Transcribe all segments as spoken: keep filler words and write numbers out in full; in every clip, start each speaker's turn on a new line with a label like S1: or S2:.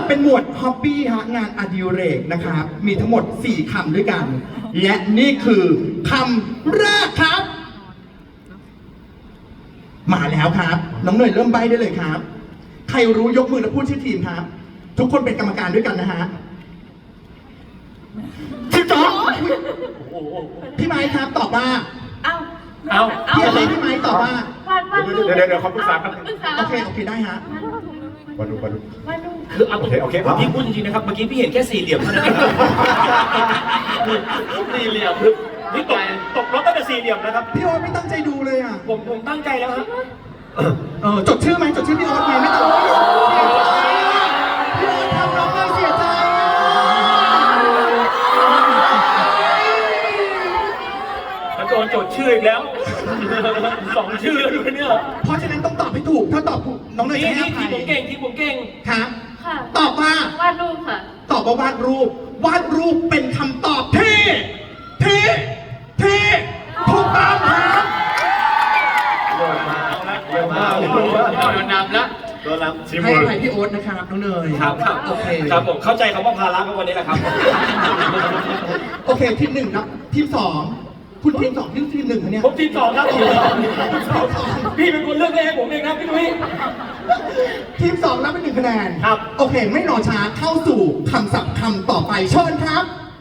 S1: เป็นหมวดฮ็อบบี้ฮะงานอดิเรกนะครับมีทั้งหมดสี่คำด้วยกัน และนี่คือคำแรกครับ มาแล้วครับน้องเนยเริ่มใบ้ได้เลยครับ ใครรู้ยกมือแล้วพูดชื่อทีมครับ ทุกคนเป็นกรรมการด้วยกันนะฮะพี่จ๊อบพี่ไม้ครับตอบว่า
S2: เอา
S3: เอา
S1: พี่อะไรพี่ไม้ตอบว่า
S2: วันวันลูก
S4: เดี๋ยวเดี๋ยวเดี๋ยวเขาปรึกษากัน
S2: ปรึกษา
S1: โอเคโอเคได้ฮะ
S4: มาดูมาดู
S2: วันลูก
S3: คือเอา
S4: โอเคโอเค
S3: พี่พูดจริงๆนะครับ เมื่อกี้พี่เห็นแค่สี่เหลี่ยมเท่านั้นเองสี่เหลี่ยมคือพี่ตกตกรถตั้งแต่สี่เหลี่ยมนะครับ
S1: พี่โอ๊ตไม่ตั้งใจดูเลยอ่ะ
S3: ผมผมตั้งใจแล้วครับ
S1: เออจดชื่อไหมจดชื่อพี่โอ๊ตไหมไม่ต้องเสียใจอะพี่โอ๊ตทำน้องเลยเสียใจอะ
S3: แล้วโดนจดชื่ออีกแล้วสองชื่อแล้วด้วยเนี่ย
S1: เพราะฉะนั้นต้องตอบให้ถูกถ้าตอบถูกน้องเลย
S3: นี่
S1: จะให้
S3: นี่
S1: อภั
S3: ที
S1: ย
S3: มผมเก่งทีมผมเก่ง
S1: ครับ
S2: ค่ะ
S1: ตอบว่า
S2: วาดรูปค่ะ
S1: ตอบว่าวาดรูป วาดรูปเป็นคำตอบที่ที่ที่ถูกต้องครับ
S4: เร็วมากเร็วมาก
S3: โดนนำแล้ว
S4: โดนแล้วชิม
S1: ให้
S4: มื
S1: อ
S4: อ
S1: ภัยพี่โอ๊ตนะครับน้องเนย
S3: ครับครับ
S1: โอเค
S3: ครับผมเข้าใจคำว่าภาระก็วันนี้แหละครับ
S1: โอเคทีมหนึ่งครับทีมสองคุณทีมสองทีมทีมหนึ่งคะเนี่ย
S3: ผมทีมสองครับทีมสองพี่เป็นคนเลือกเลขให้ผมเองครับพี่นุ้ย
S1: ทีมสองรับเป็นหนึ่งคะแนน
S3: ครับ
S1: โอเค ไม่รอช้าเข้าสู่คำศัพท์คำต่อไปเชิญครับ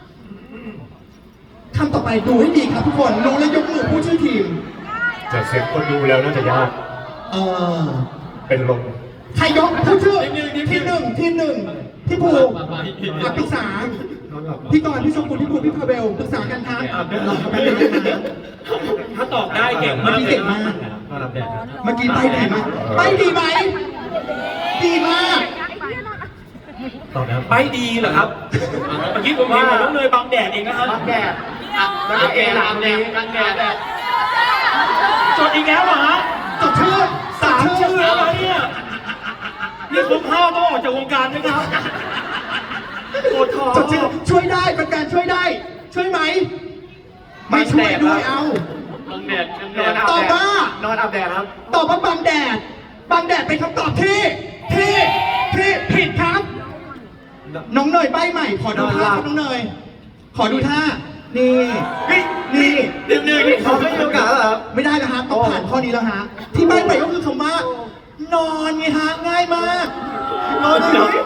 S1: คำต่อไปดูให้ดีครับทุกคนรู้และยกมือผู้ชื่อทีม
S4: จากเสียงคนดูแล้วน่าจะยาก
S1: เออ
S4: เป็นลม
S1: ใครยกผู้ชื่อทีมหนึ่งทีมหนึ่งพี่ภูอ่ะปรึกษาพี่กรณ์พี่ชมพูพี่ภูพี่พาเวลปรึกษากันครับรอกันนะ
S3: ถ้าตอบได้เก่ง
S1: เมื่อ
S3: มาก
S1: กี้
S3: เล
S1: เก่
S3: ย
S1: ง
S3: นะ
S1: มากเมื่อกี้ไปดีไหมไปดีไหมดีมาก
S4: ตอบแล้ว
S3: ไปดีเหรอครับ เมื่อกี้ผมเห็นว่าน้องเนยบังแดดเองนะครับบังแดดแล้วก็เอลามแดดบังแดดจดอีกแล้วเหรอฮะ
S1: จดชื่อ
S3: สามชื่อแล้วเหรอเนี่ยนี่คุณพ่อต้องออกจากวงการไหมครับปวดท้อง
S1: จดชื่อช่วยได้เป็นการช่วยได้ ช่วยไหมไม่ช่วยด้วยเอา
S3: บังแดดบังแดด
S1: ตอบว่าน
S4: อนอาบแดดครับ
S1: ตอบว่าบังแดดบังแดดเป็นคำตอบที่ที่ที่ผิดครับ น้องเนยใบใหม่ ขอดูท่าครับน้องเนย ขอดูท่า นี่นี่นี่
S3: หนึ่งหนึ่งเขาไม่มีโอกาสแล้วครับ
S1: ไม่ได้แล้วฮะต้องผ่านข้อนี้แล้วฮะ ที่ใบใหม่ก็คือคำว่า นอนไงฮะ ง่ายมาก นอนเลย